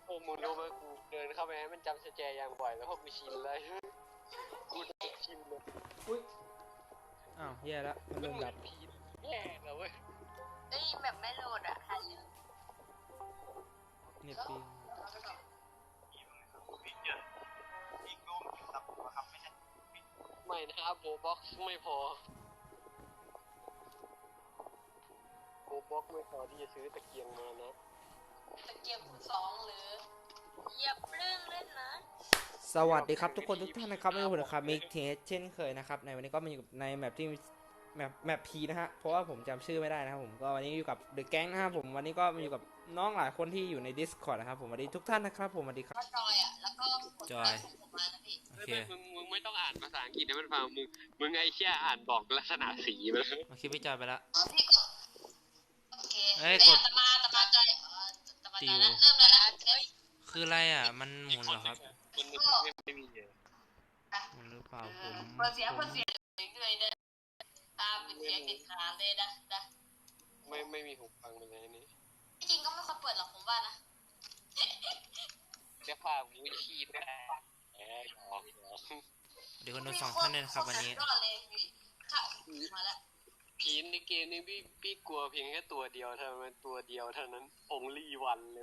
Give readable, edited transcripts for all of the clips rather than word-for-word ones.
โอ้มึงรู้ไหมกูเดินเข้าไปให้มันจำสแจอย่างบ่อยแล้วพวกกูชินเลยกูชินเลยอุ้ยอ้าวแย่แล้วมันมัเริ่นมเหมืดัอบ นผีแย่เลยเว้ยเอ้ยแบบไม่โหลดอ่ะหันลืมเน็ตปิงไม่นะครับโบบ็อกซ์ไม่พอโบบ็อกซ์ไม่พอที่จะซื้อตะเกียงมานะตะเกียบคูณ2หรือเหยียบเรื่องเล่นนะสวัสดีครับทุกคนทุกท่านนะครับไม่ใช่ผมนะครับมิกเทสเช่นเคยนะครับในวันนี้ก็มาอยู่ในแมปที่แมปพีนะฮะเพราะว่าผมจำชื่อไม่ได้นะครับผมก็วันนี้อยู่กับเดอะแก๊งนะครับผมวันนี้ก็มาอยู่กับน้องหลายคนที่อยู่ใน Discord นะครับผมสวัสดีทุกท่านนะครับผมสวัสดีครับก็จอยอ่ะแล้วก็กดจอยส่งผมมานะพี่โอเคมึงไม่ต้องอ่านภาษาอังกฤษให้มันฟังมึงไอ้เชี่ยอ่านบอกลักษณะสีมันโอเคพี่จอยไปละอ๋อพี่กดโอเคเอ้ยกดตะมาจอยตะมาจอยนะเริ่มแล้วนะเฮ้ยคืออะไรอ่ะมันหมุนเหรอครับมันไม่มีเลยหมุนหรือเปล่าผมเปิดเสียงเลยเด้อตามเป็นเสียงเด็ดขาดเลยนะไม่มีหูฟังเลยอันนี้ที่จริงก็ไม่ควรเปิดหรอกผมว่านะเสื้อผ้ากูชีพได้หยอกเดี๋ยวคนดู2 ท่านด้วยนะครับวันนี้รอดเลยค่ะมาแล้วผีในเกมนี้พี่กลัวเพียงแค่ตัวเดียวเท่านั้นตัวเดียวเท่านั้นonly one เลย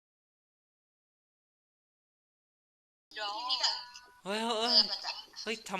เดี๋ยวพี่มิกอะเฮ้ยเปิดประจักษ์เฮ้ยท